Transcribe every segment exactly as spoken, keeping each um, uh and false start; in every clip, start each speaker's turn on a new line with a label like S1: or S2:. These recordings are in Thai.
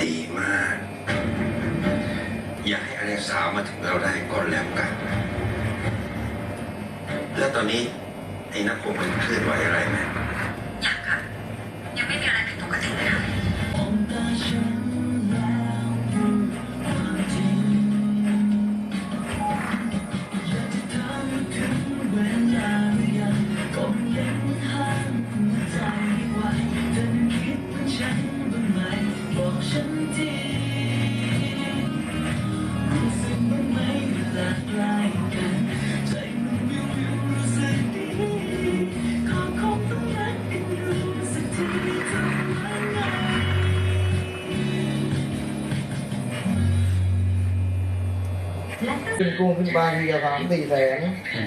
S1: ดีมาก อยากให้อเล็กสาวมาถึงเราได้ก่อนแล้วกัน แล้วตอนนี้ไอ้นักคงมันเคลื่อนไหวอะไรไหม
S2: ยังค่ะยังไม่มีอะไรผิดปกติเลยค่ะ
S3: ขึ้นกุ้งขึ้นปลาทีละสามสี่แสน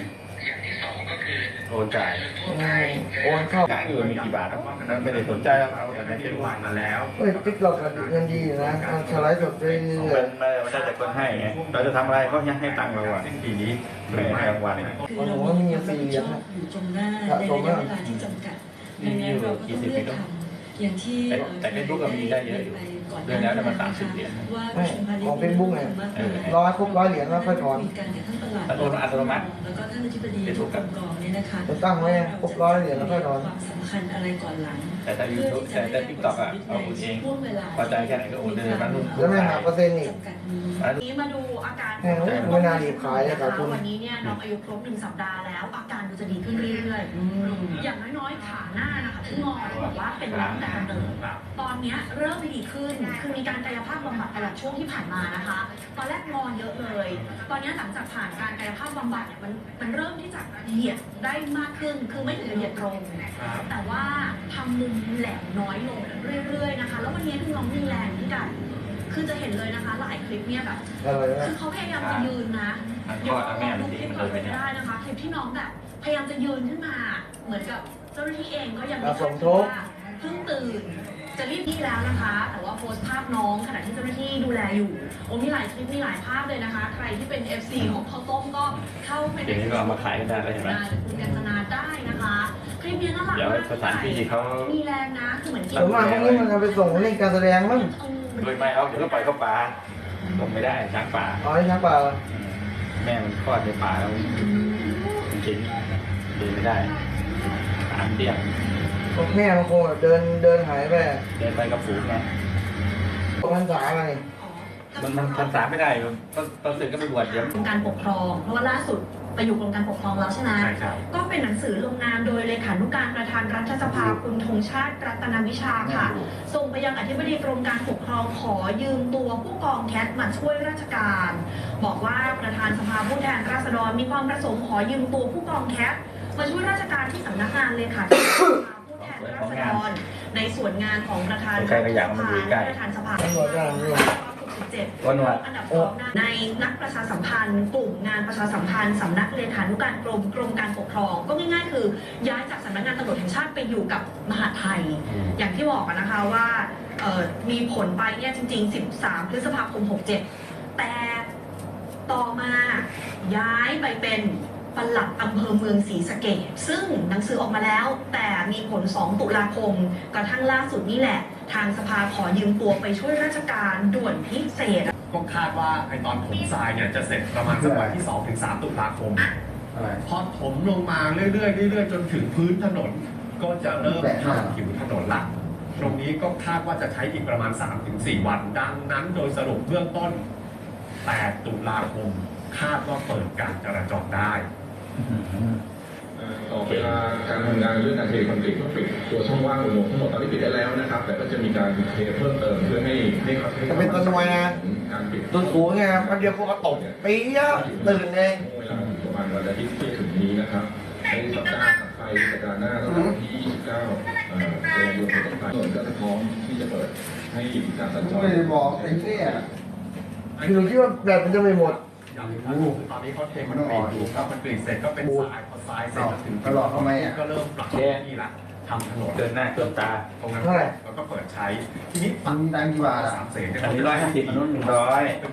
S4: โอนจ่าย
S3: โอนเข้า
S4: จ่ายเงินมีกี่บาทครับนั้นไม่ได้สนใจแล้วแต่ในที่วางมาแล้ว
S3: เฮ้ยติ๊กเรากับเงินดีนะมันสไลด์สดไปเรื่อย
S4: มันไม่ได้แต่คนให้ไงเราจะทำอะไรเขายังให้ตังค์เราอ่ะทีนี้ไม่ให้รางวัล
S3: ๆมันผมว่ามีสี่เหรียญนะ
S2: อยู่ตรงหน้าในระยะเวลาที่จำกัดดังนั้นเราก็ต้องเลือกทำอย่างที่
S4: แต่เฟซบุ๊กก็มีได้เยอะอยู่เดือนแล้วมันสามสิบเหรียญ
S3: ไม่ของเป็นบุ๊กไงร้อยครบร้อยเหรียญแล้วค่อยถอน
S4: อัตโนมัติอัตโนมัติ
S2: แล้วก็ท่านอธิบดีทุกกองเนี่ยนะคะ
S3: จะตั้งไว้ครบร้อยเหรียญแล้วค่อยถอน
S2: ความสำคัญอะไรก่อนหลัง
S4: แต่ถ้ายูทูบแต่แต่ทิกตอกอ่ะเอาโอนเองพอใจแค่ไหนก็โอนเลยมันรุ่น
S3: แล้วไม่หักเปอร์เซ็นต์อีก
S5: นี้มาดูอาการ
S3: แหมไม่น่ารีบขายเลยครับคุณ
S5: วันนี้เนี่ยน้องอายุครบหนึ่งสัปดาห์แล้วอาการดูจะดีขึ้นเรื่อยๆอย่างน้อยๆขาหน้านะคะที่งอบอกว่าเป็นตั้งแต่กำเนิดตอนนี้เริ่มดีขึ้นคือมีการกายภาพบำบัดตลอดช่วงที่ผ่านมานะคะตอนแรกงอเยอะเลย ตอนนี้หลังจากผ่านการกายภาพบำบัดเนี่ยมันมันเริ่มที่จะเหยียดได้มากขึ้นคือไม่ถึงกับเหยียดตรงแต่ว่าทำมุมแหลมน้อยลงเรื่อยๆนะคะแล้ววันนี้ดูน้องมีแรงขึ้นกันคือจะเห็นเลยนะคะหลายคลิปเนี่ยแบบคือเขาพยายามจะยืนนะเดี๋ยวเราดูคลิปก่อนไม่ได้นะคะคลิปที่น้องแบบพยายามจะยืนขึ้นมาเหมือนกับเจ้าหน้าที่เองก็ยังไม่ทราบว่าเพิ่งตื่นจะรีบที่แล้วนะคะแต่ว่าโพสต์ภาพน้องขณะที่เจ้าหน้าที่ดูแลอยู่โอ้มีหลายคลิปมีหลายภาพเลยนะคะใครที่เป็น เอฟ ซี ของข้าวต้มก็เข้าไปใน
S4: อย่างนี้ก็เอามาขายกันได้เลยเห็นไหม
S5: คุณกัญจนาได้นะคะคลิปนี้น่ารัก
S4: เดี๋ยว
S5: มาก
S4: สถานที่เขา
S5: มีแรงนะคือเหมือนกิน
S3: แต่ว่าพวกนี้มันจะไปส่งเล่นการแสดงมั้ง
S4: โดยไม่เอาเดี๋ยวก็ปล่อยเข้าป่าลงไม่ได้ช้างป่า
S3: อ๋อช้างป่า
S4: แม่มันคลอดในป่าแล้วจริงๆเดินไม่ได้ตามเดียว
S3: พวกแม่มันคงแบบเดินเดินหายไป
S4: เดินไปกับฝูงไง
S3: มันสาอะไร
S4: มันมันทันษาไม่ได้ตอนตอนสึกก็ไปบวชเดี๋ยว
S5: กรมการปกครองเพราะว่าล่าสุดไปอยู่กรมการปกครองแล้วใช่ไหม
S4: ใช่ครับ
S5: ก็เป็นหนังสือลงนามโดยเลขานุการประธานรัฐสภาคุณธงชาติรัตนวิชาค่ะส่งไปยังอธิบดีกรมการปกครองขอยืมตัวผู้กองแคทมาช่วยราชการ บอกว่าประธานสภาผู้แทนราษฎรมีความประสงค์ขอยืมตัวผู้กองแคทมาช่วยราชการที่สำนักงานเลขาธิการผู้แทนราษฎรในส่วนงานของประธานรัฐสภาประธานสภาวันวันอันดับสองในนักประชาสัมพันธ์กลุ่มงานประชาสัมพันธ์สำนักเลขานุการกรมกรมการปกครองก็ง่ายๆคือย้ายจากสำนักงานตำรวจแห่งชาติไปอยู่กับมหาดไทยอย่างที่บอกนะคะว่ามีผลไปเนี่ยจริงๆสิบสามพฤษภาคมหกเจ็ดแต่ต่อมาย้ายไปเป็นปลัดอำเภอเมืองศรีสะเกษซึ่งหนังสือออกมาแล้วแต่มีผลสองตุลาคมกระทั่งล่าสุดนี่แหละทางสภาขอยืมตัวไปช่วยราชการด่วนพิเศษ
S6: ก็คาดว่าไอตอนถมทรายเนี่ยจะเสร็จประมาณสักวันที่สองถึงสามตุลาคมพอถมลงมาเรื่อยๆเรื่อยๆจนถึงพื้นถนนก็จะเริ่มทำผิวถนนละตรงนี้ก็คาดว่าจะใช้อีกประมาณ สามถึงสี่ วันดังนั้นโดยสรุปเบื้องต้นแปดตุลาคมคาดว่าเปิดการจราจรได้
S7: ต่อเวลาการทำงานเรื่องการเทคอนกรีตก็ปิดตัวช่องว่างอุโมงค์ทั้งหมดตอนนี้ปิดได้แล้วนะครับแต่ก็จะมีการเทเพิ่มเติมเพื่อให้ให้เขา
S3: จะเป็นต้นไม้นะต้นสูงไงครับเดียวก็ตกปี๊ยะตื่นเอง
S7: เวลาประมาณวันอาทิตย์ที่ถึงนี้นะครับในสัปดาห์ถัดไปสัปดาห์หน้าตั้งแต่วันที่ยี่สิบเก้าเดือนตุลาคมต้นไปถนนก็จะพร้อมที่จะเปิดให้การสัญจร
S3: ไม่ได้บอกไอ้เนี่ยคือคิดว่าแบบมันจะไม่หมด
S6: อย่างนี้ครับตอนนี้เขาเทคอนกรีตอยู่ครับคอนกรีตเสร็จก็เป็นทรายพอทรายเสร็จถึงตลอดทำไมอ่ะก็เริ่มปรับที่ละทำถนน
S4: เดินหน้าเดินตา
S6: ตรงนั้นแล้วก็เปิดใช้ทีนี้
S3: มันดังกี่บาท
S6: สามเสน
S4: อันนี้ร้อยห้าสิบอันนู้นหนึ่งร้อย